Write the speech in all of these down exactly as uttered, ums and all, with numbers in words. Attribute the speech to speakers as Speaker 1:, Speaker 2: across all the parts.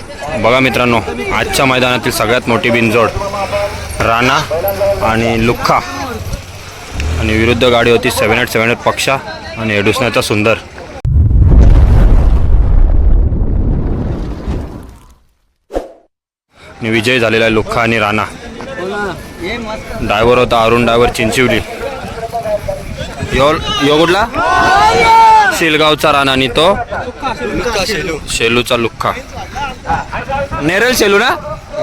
Speaker 1: बघा मित्रांनो, आजच्या मैदानातील सगळ्यात मोठी बिनजोड राणा आणि लुख्खा आणि विरुद्ध गाडी होती सेवन एट सेवन एट पक्षा आणि एडुसण्याचा सुंदर. आणि विजय झालेला आहे लुख्खा आणि राणा. ड्रायव्हर होता अरुण ड्रायव्हर चिंचिवली. यो यो कुठला शेलगावचा राणा आणि तो शेलूचा लुख्खा. नेरळ शेलू ना.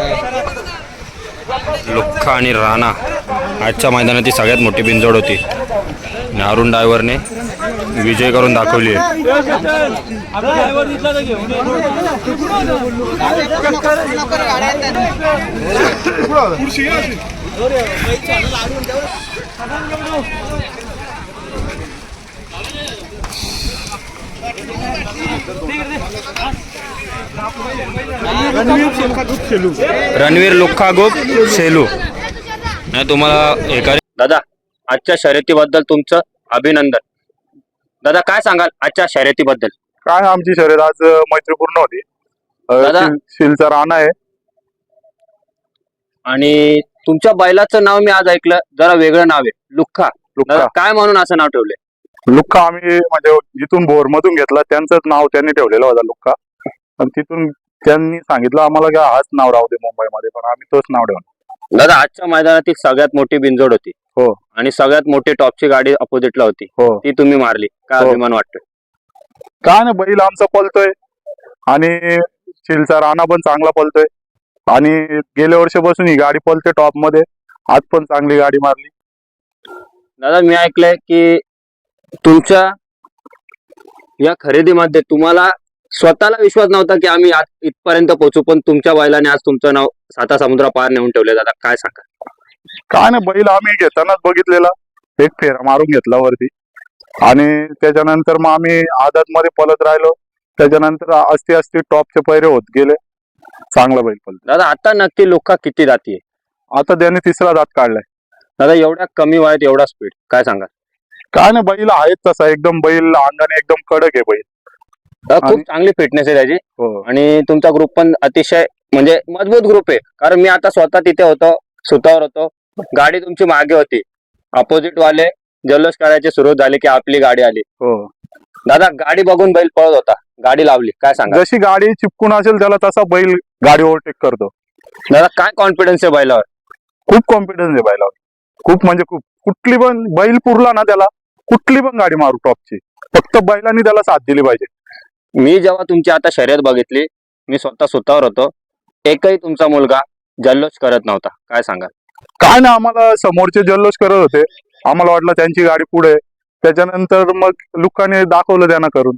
Speaker 1: लुख्खा आणि राणा आजच्या मैदानाची सगळ्यात मोठी बिनजोड होती आणि अरुण ड्रायव्हरने विजय करून दाखवली आहे. रणवीर लुख्खा गुप शेलू. नाही तुम्हाला एका दादा आजच्या शर्यतीबद्दल तुमचं अभिनंदन. दादा काय सांगाल आजच्या शर्यतीबद्दल?
Speaker 2: काय आमची शर्यत आज मैत्रीपूर्ण होती.
Speaker 1: दादा
Speaker 2: शिलचा राणा आहे
Speaker 1: आणि तुमच्या बैलाचं नाव मी आज ऐकलं, जरा वेगळं नाव आहे लुख्खा.
Speaker 2: लुख्खा
Speaker 1: काय म्हणून असं नाव ठेवलंय?
Speaker 2: लुख्खा आम्ही म्हणजे जिथून भोर मधून घेतला त्यांचंच नाव त्यांनी ठेवलेलं होता लुख्खा. आणि तिथून त्यांनी सांगितलं आम्हाला की हाच नाव राहू दे मुंबईमध्ये, पण आम्ही तोच नाव ठेवलं.
Speaker 1: दादा आजच्या मैदानातील सगळ्यात मोठी बिनजोड होती.
Speaker 2: हो.
Speaker 1: आणि सगळ्यात मोठी टॉपची गाडी अपोजिटला होती.
Speaker 2: हो.
Speaker 1: ती तुम्ही मारली. काय अभिमान वाटतोय?
Speaker 2: काय ना, बैल आमचा पलतोय आणि शिलचा राणा पण चांगला पलतोय आणि गेल्या वर्षापासून ही गाडी पलते टॉप मध्ये. आज पण चांगली गाडी मारली.
Speaker 1: दादा मी ऐकलंय की तुमच्या या खरेदीमध्ये तुम्हाला स्वतःला विश्वास नव्हता की आम्ही आज इथपर्यंत पोहोचू, पण तुमच्या बैलाने आज तुमचं नाव साता समुद्र पार नेऊन ठेवले. दादा काय सांगा?
Speaker 2: काय ना, बैल आम्ही घेतानाच बघितलेला, एक फेरा मारून घेतला वरती आणि त्याच्यानंतर मग आम्ही आदत मध्ये पलत राहिलो. त्याच्यानंतर असती असती टॉपचे पैरे होत गेले. चांगला बैल पलत.
Speaker 1: दादा आता नक्की लुख्खा किती जाती?
Speaker 2: आता त्याने तिसरा दात काढलाय.
Speaker 1: दादा एवढ्या कमी वयात एवढा स्पीड काय सांगा?
Speaker 2: काय ना, बैल आहेच तसा एकदम, बैल अंगाने एकदम कडक आहे बैल.
Speaker 1: खूप चांगली फिटनेस आहे त्याची.
Speaker 2: हो.
Speaker 1: आणि तुमचा ग्रुप पण अतिशय म्हणजे मजबूत ग्रुप आहे. कारण मी आता स्वतः तिथे होतो, सुतावर होतो, गाडी तुमची मागे होती, अपोजिट वाले जल्लोष करायचे सुरू झाले की आपली गाडी आली.
Speaker 2: हो.
Speaker 1: दादा गाडी बघून बैल पळत होता, गाडी लावली. काय सांगा?
Speaker 2: जशी गाडी चिपकून असेल त्याला तसा बैल गाडी ओव्हरटेक करतो.
Speaker 1: दादा काय कॉन्फिडन्स आहे बैलावर?
Speaker 2: खूप कॉन्फिडन्स आहे बैलावर, खूप म्हणजे खूप. कुठली पण बैल पुरला ना त्याला, कुठली पण गाडी मारू टॉपची, फक्त बैलांनी त्याला साथ दिली पाहिजे.
Speaker 1: मी जेव्हा तुमची आता शर्यत बघितली, मी स्वतः सुतावर होतो, एकही तुमचा मुलगा जल्लोष करत नव्हता. काय सांगा?
Speaker 2: काय ना, आम्हाला समोरचे जल्लोष करत होते, आम्हाला वाटलं त्यांची गाडी पुढे. त्याच्यानंतर मग लुख्खाने दाखवलं त्यांना करून.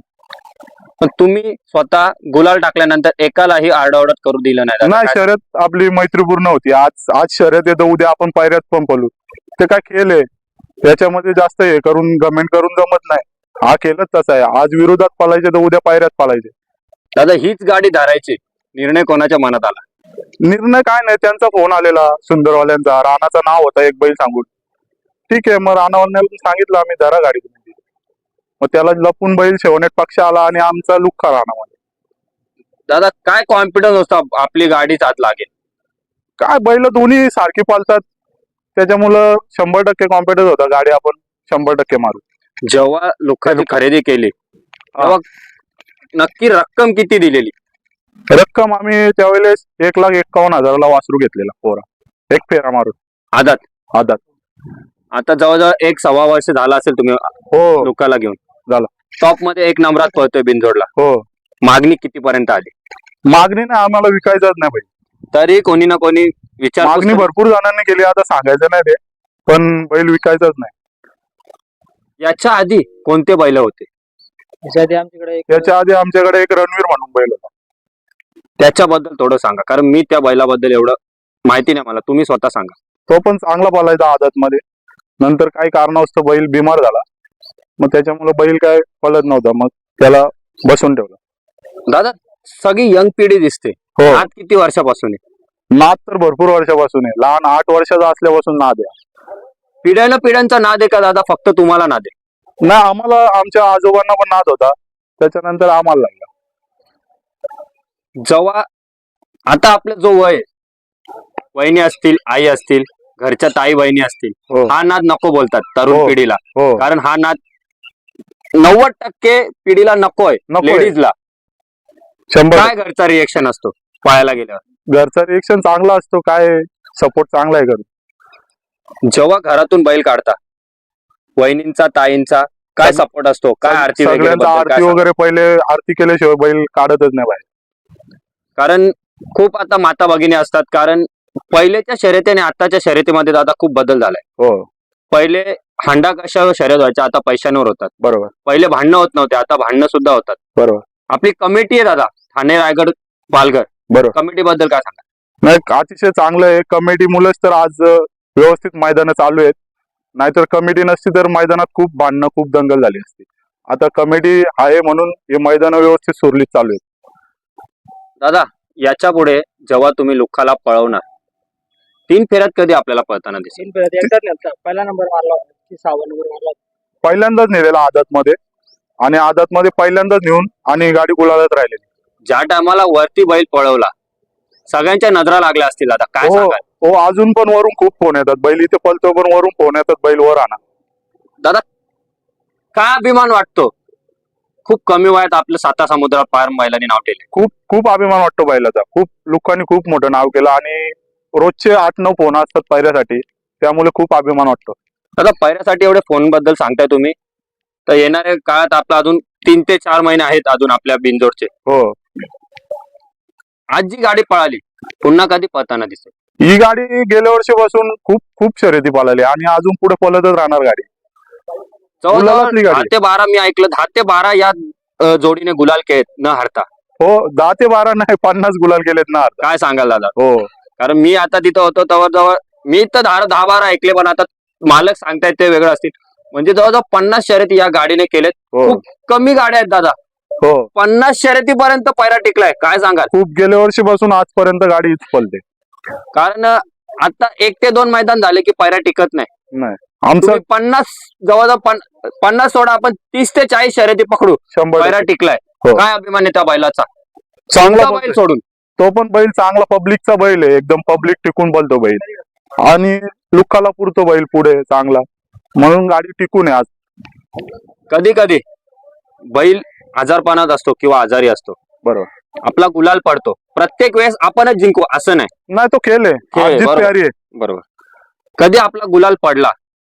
Speaker 1: पण तुम्ही स्वतः गुलाल टाकल्यानंतर एकालाही आरडाओरड करू दिलं नाही.
Speaker 2: नाही, शर्यत आपली मैत्रीपूर्ण होती. आज आज शर्यत येतं, उद्या आपण पायऱ्यात पण पळू. ते काय खेळ आहे, त्याच्यामध्ये जास्त हे करून गमेंट करून जमत नाही. हा खेळच तसा आहे, आज विरोधात पळायचे तर उद्या पायऱ्यात पळायचे.
Speaker 1: दादा हीच गाडी धरायची निर्णय कोणाच्या मनात आला?
Speaker 2: निर्णय काय नाही, त्यांचा फोन आलेला सुंदरवाल्यांचा, राणाचं नाव होता एक बैल सांगून. ठीक आहे, मग राणावाल्याला सांगितलं आम्ही धरा गाडी तुम्ही. मग त्याला लपून बैल शेवनेट पक्ष आला आणि आमचा लुख्खा राणामध्ये.
Speaker 1: दादा काय कॉन्फिडन्स होता आपली गाडीच आत लागेल?
Speaker 2: काय बैल दोन्ही सारखी पालतात, त्याच्यामुळं शंभर टक्के कॉन्फिडन्स होता गाडी आपण शंभर टक्के मारू.
Speaker 1: जेव्हा लुख्खाची खरेदी केली तेव्हा नक्की रक्कम किती दिलेली?
Speaker 2: रक्कम आम्ही त्यावेळेस एक लाख एक्कावन्न हजाराला वासरू घेतलेला पोरा, एक फेरा मारून.
Speaker 1: आदात
Speaker 2: आदात.
Speaker 1: आता जवळजवळ एक सव्वा वर्ष झाला असेल तुम्ही
Speaker 2: हो
Speaker 1: लुख्खाला घेऊन.
Speaker 2: झाला.
Speaker 1: टॉप मध्ये एक नंबरात पळतोय बिनजोडला.
Speaker 2: हो.
Speaker 1: मागणी किती पर्यंत आली?
Speaker 2: मागणी नाही, आम्हाला विकायचंच नाही बैल.
Speaker 1: तरी कोणी ना कोणी विचार
Speaker 2: मागणी भरपूर जणांनी केली, आता सांगायचं नाही ते, पण बैल विकायचंच नाही.
Speaker 1: याच्या आधी कोणते बैल होते?
Speaker 2: याच्या आधी आमच्याकडे एक रणवीर म्हणून बैल होता.
Speaker 1: त्याच्याबद्दल थोडं सांगा, कारण मी त्या बैलाबद्दल एवढं माहिती नाही मला, तुम्ही स्वतः सांगा.
Speaker 2: तो पण चांगला पळायचा आदत मध्ये, नंतर काही कारणास्तव बैल बिमार झाला, मग त्याच्यामुळे बैल काय पळत नव्हता, मग त्याला बसून ठेवलं.
Speaker 1: दादा सगळी यंग पिढी दिसते.
Speaker 2: हो.
Speaker 1: आज किती वर्षापासून आहे?
Speaker 2: नाद तर भरपूर वर्षापासून आहे, लहान आठ वर्षाचा असल्यापासून नाद आहे.
Speaker 1: पिढ्याला पिढ्यांचा नाद आहे का दादा, फक्त तुम्हाला नाद आहे?
Speaker 2: नाही, आम्हाला आमच्या आजोबांना पण नाद होता, त्याच्यानंतर आम्हाला लागला.
Speaker 1: जेव्हा आता आपलं जो वय आहे, वहिनी असतील, आई असतील, घरच्या ताई बहिणी असतील,
Speaker 2: हो
Speaker 1: हा नाद नको बोलतात तरुण
Speaker 2: हो.
Speaker 1: पिढीला.
Speaker 2: हो
Speaker 1: कारण हा नाद नव्वद टक्के पिढीला नकोय,
Speaker 2: नकोय.
Speaker 1: लेडीजला.
Speaker 2: शंभर
Speaker 1: काय घरचा रिएक्शन असतो पाहायला गेल्यावर?
Speaker 2: घरचा रिएक्शन चांगला असतो, काय सपोर्ट चांगला आहे घरी.
Speaker 1: जेव्हा घरातून बैल काढता, वहिनींचा ताईंचा काय
Speaker 2: सग-
Speaker 1: सपोर्ट असतो? काय आरती वगैरे
Speaker 2: सगळ्यांचा
Speaker 1: बद्दल काय
Speaker 2: आरती
Speaker 1: सांगाल?
Speaker 2: वगैरे पहिले आरती केल्याशिवाय बैल काढतच नाही बाहेर.
Speaker 1: कारण खूप आता माता भगिनी असतात. कारण पहिलेच्या शर्यती आणि आताच्या शर्यतीमध्ये दादा खूप बदल झालाय.
Speaker 2: हो
Speaker 1: पहिले हांडा कशावर शर्यत व्हायच्या, आता पैशांवर होतात.
Speaker 2: बरोबर
Speaker 1: पहिले भांडणं होत नव्हते, आता भांडणं सुद्धा होतात.
Speaker 2: बरोबर
Speaker 1: आपली कमिटी आहे दादा, ठाणे रायगड पालघर
Speaker 2: बरोबर.
Speaker 1: कमिटी बद्दल काय सांगा?
Speaker 2: नाही अतिशय चांगलं आहे. कमिटी मुळेच तर आज अ, व्यवस्थित मैदानं चालू आहेत. नाहीतर कमिटी नसती तर मैदानात खूप भांडणं खूप दंगल झाली असती. आता कमिटी आहे म्हणून हे मैदान व्यवस्थित सुरळीत चालू आहेत.
Speaker 1: दादा याच्या पुढे जेव्हा तुम्ही लुखाला पळवणार, तीन फेऱ्यात कधी आपल्याला पळताना दिसेल?
Speaker 3: तीन फेऱ्यात एकदाच नेलता. पहिला नंबर मारला होता की सहावा नंबर मारला होता.
Speaker 2: पहिल्यांदाच नेलेला आदात मध्ये आणि आदात मध्ये पहिल्यांदाच नेऊन आणि गाडी गुलालात राहिलेली.
Speaker 1: ज्या टायमाला वरती बैल पळवला, सगळ्यांच्या नजरा लागल्या असतील दादा, काय
Speaker 2: हो
Speaker 1: सांगाल?
Speaker 2: हो अजून पण वरून खूप फोन येतात, बैल इथे पळतो पण वरून फोन येतात, बैल वर आणा.
Speaker 1: दादा काय अभिमान वाटतो? खूप कमी वयात आपलं साता समुद्र पार बैलांनी नाव ठेवले.
Speaker 2: खूप खूप अभिमान वाटतो बैलाचा. खूप लोकांनी खूप मोठं नाव केलं आणि रोजचे आठ नऊ फोन असतात पायऱ्यासाठी, त्यामुळे खूप अभिमान वाटतो.
Speaker 1: दादा पैऱ्यासाठी एवढे फोन बद्दल सांगताय तुम्ही, तर येणाऱ्या काळात आपला अजून तीन ते चार महिने आहेत अजून आपल्या बिनजोडचे.
Speaker 2: हो
Speaker 1: आज जी गाडी पळाली, पुन्हा कधी पळताना दिसेल?
Speaker 2: ही गाडी गेल्या वर्षीपासून खूप खूप शर्यती पळाली आणि अजून पुढे पळतच राहणार गाडी. गुलालातली
Speaker 1: जवळजवळ
Speaker 2: गाडी.
Speaker 1: दहा ते बारा मी ऐकलं, दहा ते बारा या अ, जोडीने गुलाल खेळत न हरता.
Speaker 2: हो दहा ते बारा नाही पन्नास गुलाल गेलेत ना आता.
Speaker 1: काय सांगाल दादा?
Speaker 2: हो
Speaker 1: कारण मी आता तिथं होतो तेव्हा जवळ मी तर दहा दहा बारा ऐकले, पण आता मालक सांगतायत ते वेगळं असतील. म्हणजे जवळजवळ पन्नास शर्यती या गाडीने केलेत.
Speaker 2: हो
Speaker 1: खूप कमी गाड्या आहेत दादा,
Speaker 2: हो
Speaker 1: पन्नास शर्यतीपर्यंत पैरा टिकलाय. काय सांगाल?
Speaker 2: खूप गेल्या वर्षीपासून आजपर्यंत गाडी हीच पळते.
Speaker 1: कारण आता एक ते दोन मैदान झाले की पैरा टिकत नाही.
Speaker 2: नाही आमचं
Speaker 1: तुम्ही पन्नास जवळजवळ पन- पन्नास सोडा, आपण तीस ते चाळीस शर्यती पकडू,
Speaker 2: शंभर
Speaker 1: पैरा टिकलाय.
Speaker 2: हो.
Speaker 1: काय अभिमान आहे त्या बैलाचा?
Speaker 2: चांगला
Speaker 1: तुमचा बैल
Speaker 2: बैल
Speaker 1: सोडून
Speaker 2: तो पण बैल चांगला पब्लिकचा बैल आहे, एकदम पब्लिक टिकून बोलतो बैल आणि लुकाला पुरतो बैल पुढे चांगला, म्हणून गाडी टिकून आहे आज.
Speaker 1: कधी कधी बैल आजारपणात असतो किंवा आजारी असतो,
Speaker 2: बरोबर
Speaker 1: आपला गुलाल पडतो, प्रत्येक वेळेस आपणच जिंकू असं नाही.
Speaker 2: नाही तो खेळ आहे,
Speaker 1: खेळ आहे,
Speaker 2: हार जीत
Speaker 1: बरोबर.
Speaker 2: प्यारी आहे.
Speaker 1: बरोबर. कधी आपला गुलाल पडला,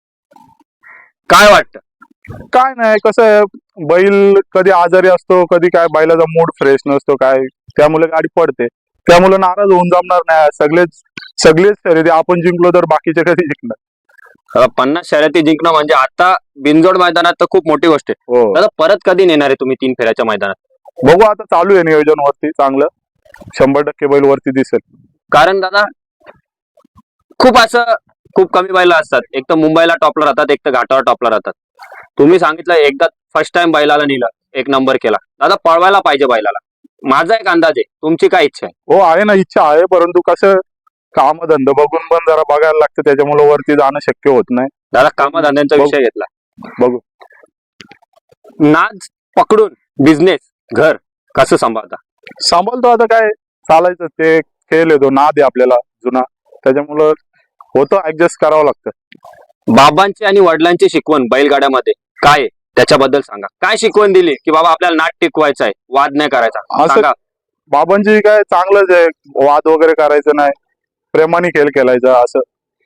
Speaker 1: काय वाटतं?
Speaker 2: काय नाही कसं आहे, बैल कधी आजारी असतो, कधी काय बैलाचा मूड फ्रेश नसतो काय, त्यामुळे गाडी पडते. त्यामुळे नाराज होऊन जमणार नाही. सगळेच सगळेच शर्यती आपण जिंकलो तर बाकीचे कधी जिंकणार.
Speaker 1: अ, पन्नास शर्यती जिंकणं म्हणजे आता बिनजोड मैदानात तर खूप मोठी गोष्ट आहे.
Speaker 2: हो
Speaker 1: दादा परत कधी नेणार आहे तुम्ही तीन फेऱ्याच्या मैदानात?
Speaker 2: बघू आता चालू आहे नियोजन वरती चांगलं, शंभर टक्के बैल वरती दिसेल.
Speaker 1: कारण दादा खूप असं खूप कमी बैला असतात, एक तर मुंबईला टॉपला राहतात, एक तर घाटावर टॉपला राहतात. तुम्ही सांगितलं एकदा फर्स्ट टाइम बैलाला नेलं, एक नंबर केला. दादा पळवायला पाहिजे बैलाला, माझा एक अंदाज आहे. तुमची काय इच्छा आहे?
Speaker 2: हो आहे ना, इच्छा आहे, परंतु कसं काम धंदा बघून पण जरा बघायला लागतं, त्याच्यामुळे वरती जाणं शक्य होत नाही.
Speaker 1: दादा कामधंद्यांचा
Speaker 2: बघू.
Speaker 1: विषय घेतला,
Speaker 2: बघू
Speaker 1: नाच पकडून बिझनेस घर कसं सांभाळता?
Speaker 2: सांभाळतो आता, काय चालायचं, ते खेळ येतो नाद आहे आपल्याला जुना, त्याच्यामुळं होतं ऍडजस्ट करावं लागतं.
Speaker 1: बाबांची आणि वडिलांची शिकवण बैलगाड्यामध्ये काय आहे? त्याच्याबद्दल सांगा. काय शिकवण दिली की बाबा आपल्याला नाट टिकवायचा आहे, वाद नाही करायचा?
Speaker 2: असं
Speaker 1: सांगा.
Speaker 2: बाबांची काय चांगलंच आहे, वाद वगैरे करायचं नाही, प्रेमाने खेळ खेळायचा असं.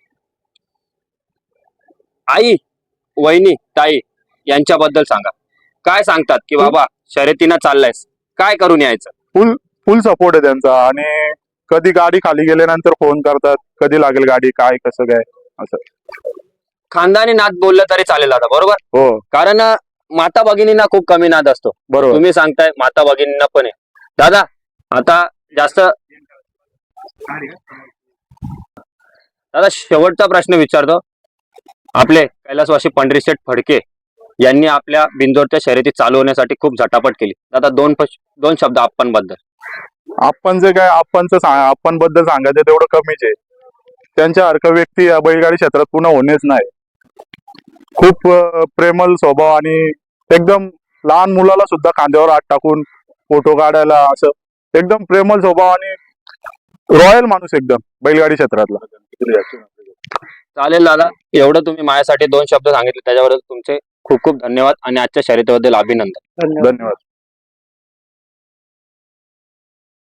Speaker 1: आई, वहिनी, ताई यांच्याबद्दल सांगा. काय सांगतात की बाबा शर्यतीनं चाललायस, काय करून यायचं?
Speaker 2: फुल फुल सपोर्ट आहे त्यांचा आणि कधी गाडी खाली गेल्यानंतर फोन करतात, कधी लागेल गाडी, काय कसं काय असं.
Speaker 1: खानदानी नाद बोललं तरी चालेल दादा, बरोबर?
Speaker 2: हो
Speaker 1: कारण अं, माता भगिनींना खूप कमी नाद असतो.
Speaker 2: बरोबर.
Speaker 1: तुम्ही सांगताय माता भगिनींना पण आहे. दादा आता जास्त दादा शेवटचा प्रश्न विचारतो. आपले कैलासवासी पंढरीशेठ फडके यांनी आपल्या बिंजोडच्या शर्यती चालू होण्यासाठी खूप झटापट केली. दादा दोन पश- दोन शब्द आपण बद्दल.
Speaker 2: आपण जे काय आपणचं आपण बद्दल सांगायचं तेवढं कमीच आहे. त्यांच्यासारखं व्यक्ती या बैलगाडी क्षेत्रात पुन्हा होणेच नाही. खूप अं, प्रेमळ स्वभाव आणि एकदम लहान मुलाला सुद्धा खांद्यावर हात टाकून फोटो काढायला, असं एकदम प्रेमळ स्वभाव आणि रॉयल माणूस एकदम बैलगाडी क्षेत्रातला.
Speaker 1: चालेल दादा, एवढं तुम्ही माझ्यासाठी दोन शब्द सांगितले त्याच्याबद्दल तुमचे खूप खूप धन्यवाद आणि आजच्या शर्यतीबद्दल अभिनंदन.
Speaker 3: धन्यवाद.
Speaker 2: धन्यवाद.